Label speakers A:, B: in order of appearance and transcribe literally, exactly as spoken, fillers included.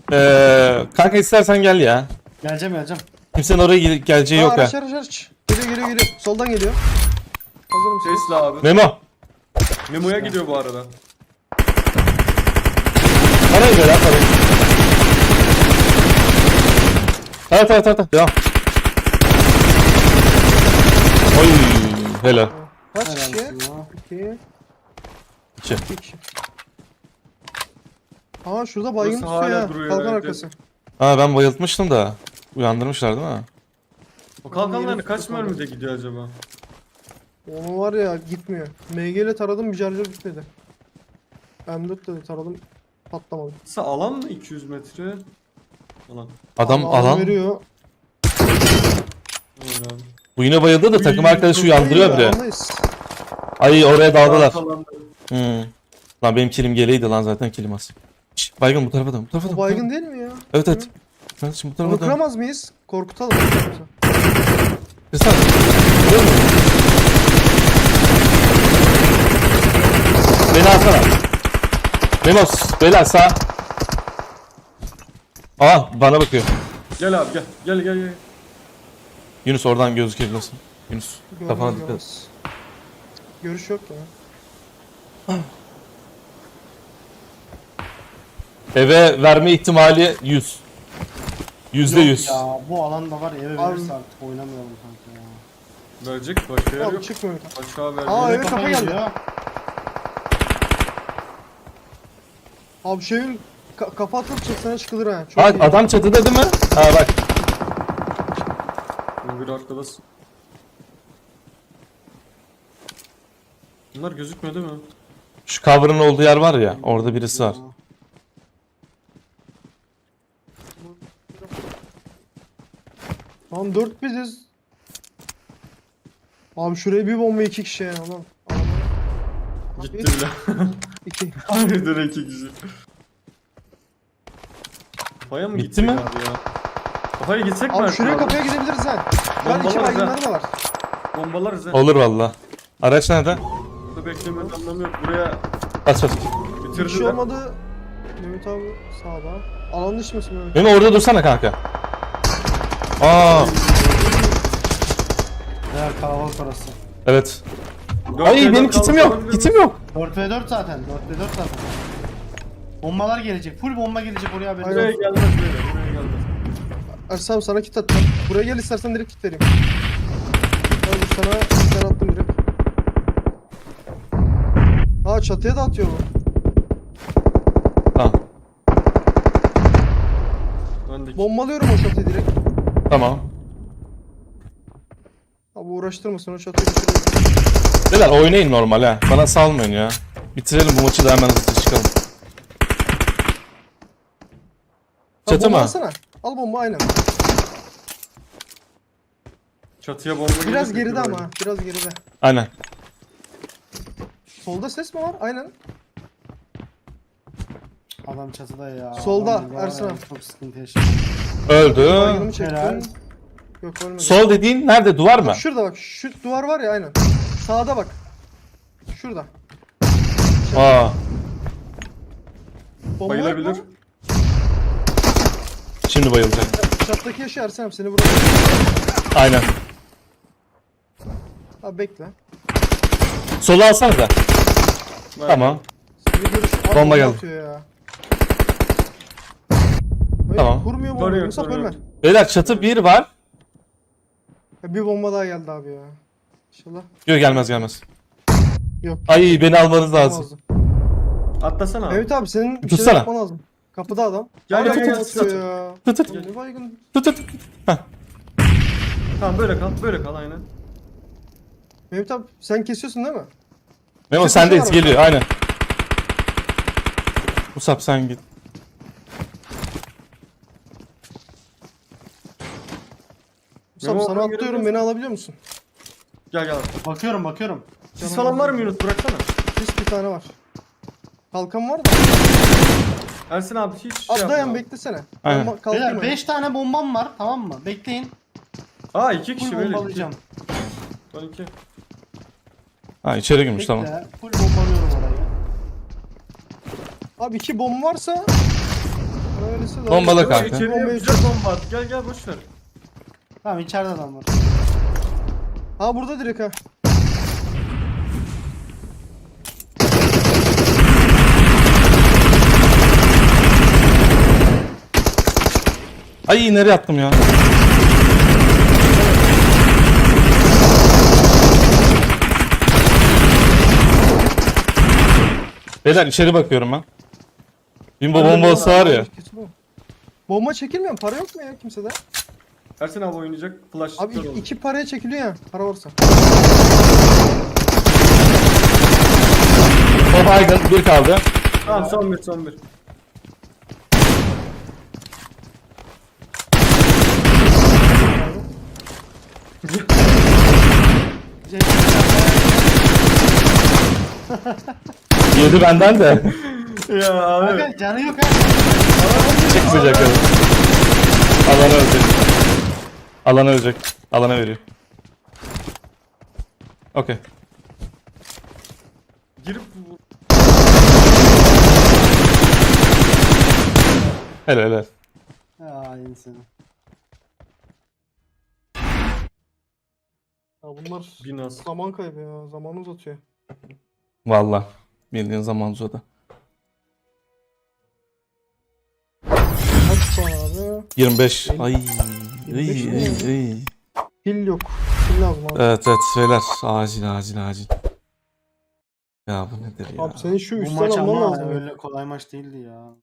A: Ee, kanka istersen gel ya.
B: Geleceğim geleceğim.
A: Kimsenin oraya gel- geleceği
C: Aa,
A: yok ha.
C: araç araç araç. Geliyor geliyor geliyor. Soldan geliyor. Hazır mısın?
D: Tesla abi.
A: Memo.
D: Memo'ya gidiyor bu arada.
A: Parayı ver ya parayı. Evet evet evet. Devam. Oy helal.
C: Kaç
B: Helal
C: kişi?
B: olsun ya.
C: İki.
A: İki.
C: İki kişi. Aa şurada baygın
D: Burası
C: tutuyor
D: hala
C: ya.
D: duruyor,
C: Kalkan
D: evet,
C: arkası.
A: Ha ben bayıltmıştım da. Uyandırmışlar değil mi?
D: O kalkanlar
C: Yeni
D: kaç
C: tutuyor
D: mermide gidiyor acaba?
C: Onu var ya gitmiyor. M G ile taradım bir şarjör gitmedi. M dört de taradım patlamadı.
D: Kısa alan mı iki yüz metre? Alan.
A: Adam
C: Alan
A: alan.
C: veriyor.
D: Aynen abi.
A: Bu yine bayıldı da takım arkadaşı uyandırıyor bile.
C: Alandayız.
A: Ay oraya daldılar.
D: Alanda.
A: Hmm. Lan benim kilim geleydi lan zaten kilim az. Şş, baygın bu tarafa dön. Bu tarafa dön.
C: O
A: bu tarafa
C: baygın
A: dön.
C: değil mi ya?
A: Evet evet. Kardeşim bu
C: Onu
A: tarafa dön.
C: kıramaz mıyız? Korkutalım.
A: Kırsana. Görüyor musun? Beni alsana. Memos. Beyler sağ. Aa bana bakıyor.
D: Gel abi gel. Gel gel gel.
A: Yunus oradan gözükebilirsin. Yunus kafana
C: Görmez,
A: dikkat et.
C: görmez. Görüş yok ya.
A: Eve verme ihtimali yüz. Yüzde
B: Yok
A: yüz.
B: Ya bu alanda var ya eve
C: Abi-
B: verirse artık oynamayalım kanka ya.
D: Verecek başka yer
C: Abi
D: yok.
C: çıkmıyor.
D: Başka verecek.
C: Aa,
B: Eve
C: evet,
B: kafa
C: kafa geldi.
B: geliyor.
C: Abi şeyin ka kafa atıp çıksana çıkılır ha. Çok
A: Ha,
C: iyi.
A: adam çatıda değil mi? Ha bak.
D: Bir arkadasın. Bunlar gözükmüyor değil mi?
A: Şu cover'ın olduğu yer var ya. Orada birisi var.
C: Lan dört biziz. Abi şuraya bir bomba iki kişi ya lan.
D: Gitti bile.
C: İki.
D: Harbiden iki kişi. Kafaya mı
A: Bitti
D: gitsek
A: mi?
D: abi ya? Kafaya gitsek mi?
C: Abi
D: artık
C: şuraya
D: abi?
C: kapıya gidebiliriz ha. Lan iki
D: Bombalar
C: baygınları da var.
D: Bombalarız ha.
A: Olur valla. Araç nerede?
D: Burada beklemenin anlamı yok. Buraya
A: Bas bas.
C: Bir şey
D: bitirdiler.
C: olmadı. Mehmet abi sağda. Alan dışı mısın Mehmet?
A: Memo orada dursana kanka. Aa
B: Ya kalabalık orası.
A: evet.
D: Dört
A: Ay
D: ve
A: benim
D: dört
A: kitim
D: kaldı,
A: yok.
D: kalabilir
A: Kitim
D: mi?
A: yok.
B: dört ve dört zaten. dört ve dört zaten. Bombalar gelecek. Full bomba gelecek oraya haberin
C: Aynen.
D: Buraya
B: olsun.
D: gelmez böyle. Buraya gelmez.
C: Ersam sana kit attım. Buraya gel istersen direkt kit vereyim. Abi sana sen attım direkt. Ha çatıya da atıyor bu.
A: Tamam.
D: Ben de
C: Bombalıyorum o çatıyı direkt.
A: Tamam.
C: Abi uğraştırmasın o çatıyı bitiriyorum.
A: Beyler oynayın normal ha. Bana salmayın ya. Bitirelim bu maçı da hemen hızlı çıkalım.
C: Ha,
A: Çatı
C: bomba
A: mı?
C: alsana. Al bomba aynen.
D: çatıya bomba
C: Biraz
D: gelirse
C: geride
D: böyle.
C: ama. Biraz geride.
A: Aynen.
C: Solda ses mi var? Aynen.
B: Adam çatıda ya.
C: Solda,
B: Adam burada var
C: Ersin
B: ya,
C: abi.
B: Çok sıkıntı yaşıyor.
A: Öldü.
C: Baygınımı çektim.
B: Helal.
C: Yok ölmedi.
A: Sol dediğin nerede? Duvar mı?
C: Bak şurada bak. Şu duvar var ya aynen. Sağda bak. Şurada.
A: Aa.
C: Bomba yok
D: Bayılabilir.
C: mu?
A: Şimdi bayılacak.
C: Çattaki yaşı Ersen abi seni bırak.
A: Aynen.
C: Abi bekle.
A: Solu alsana da.
D: Ben-
A: Tamam.
C: Seni görüş... Abi,
A: Bomba
C: bomba
A: geldi.
C: atıyor ya. Hayır,
A: Tamam.
C: Vurmuyor mu?
D: Doğru yok,
C: Musab
D: doğru
C: ölme.
D: yok.
A: Beyler çatı bir var.
C: Ya bir bomba daha geldi abi ya. İnşallah.
A: Yok gelmez gelmez.
C: Yok.
A: Ay beni almanız lazım.
C: Olmazdı.
D: Atlasana abi.
C: Evet abi senin bir şeyler
A: Tutsana.
C: yapman lazım. Kapıda adam.
D: Gel,
C: Abi
D: gel,
C: çok
D: gel,
C: atıyor
D: tut.
C: ya.
A: Tut tut.
C: Ya ne baygın.
A: Tut tut. Heh.
D: Tamam böyle kal. Böyle kal aynen.
C: Mehmet abi sen kesiyorsun değil mi?
A: Memo
C: Çatı
A: sendeyiz
C: var
A: geliyor aynen. Musab sen git.
C: Musab
D: Memo,
C: sana
D: oradan
C: atlıyorum
D: görebiliyorsun.
C: beni alabiliyor musun?
D: Gel gel.
B: Bakıyorum bakıyorum.
D: Sis falan var mı Yunus? Bıraksana.
C: Pis bir tane var. Kalkan var da.
D: Ersin abi hiç şey
C: Abi
D: yapma.
C: dayan beklesene.
A: Aynen.
C: Bomba- kalkayım
B: Beyler
C: öyle.
B: beş tane bombam var tamam mı? Bekleyin.
D: Aa iki kişi
B: Full
D: böyle.
B: bombalayacağım.
D: Son iki.
A: Ha içeri girmiş
B: Bekle.
A: tamam.
B: Full bombalıyorum orayı.
C: Abi iki bomba varsa Öylesi de.
A: Bombala
C: Abi,
A: kanka.
D: İçeriye
C: bombayı
D: güzel
C: çek-
D: bomba at. Gel gel boş ver.
B: Tamam içeride adam var.
C: Ha burada direkt ha.
A: Ay nereye attım ya? Beyler içeri bakıyorum ben. Bimbo bombası var ya.
C: Kesin o. Bomba çekilmiyor mu? Para yok mu ya kimsede?
D: Ersin abi oynayacak. Flash
C: Abi
D: kör
C: iki,
D: oldu.
C: iki paraya çekiliyor ya. Para varsa.
A: O baygın bir kaldı.
D: Tamam son bir son bir.
A: Yedi benden de.
D: Ya abi.
B: Kanka canı yok ha.
A: Çıkmayacak öyle. Alana ölecek. Alana ölecek. Alana veriyor. Okey.
D: Girip
A: Helal helal.
B: Ya insan.
C: Ya bunlar
D: bin az.
C: zaman kaybı ya. Zamanı uzatıyor.
A: Valla. Bildiğin zaman uzadı.
C: Kaç puan abi?
A: yirmi beş. Ay.
C: yirmi beş
A: Ay,
C: mi
A: ay,
C: ya?
A: ay.
C: Pil yok. Pil lazım abi.
A: Evet evet şeyler. Acil acil acil. Ya bu nedir ya?
C: Abi senin şu
B: Bu
C: üstten
B: maç
C: alman
B: ama
C: lazım. ya.
B: öyle kolay maç değildi ya.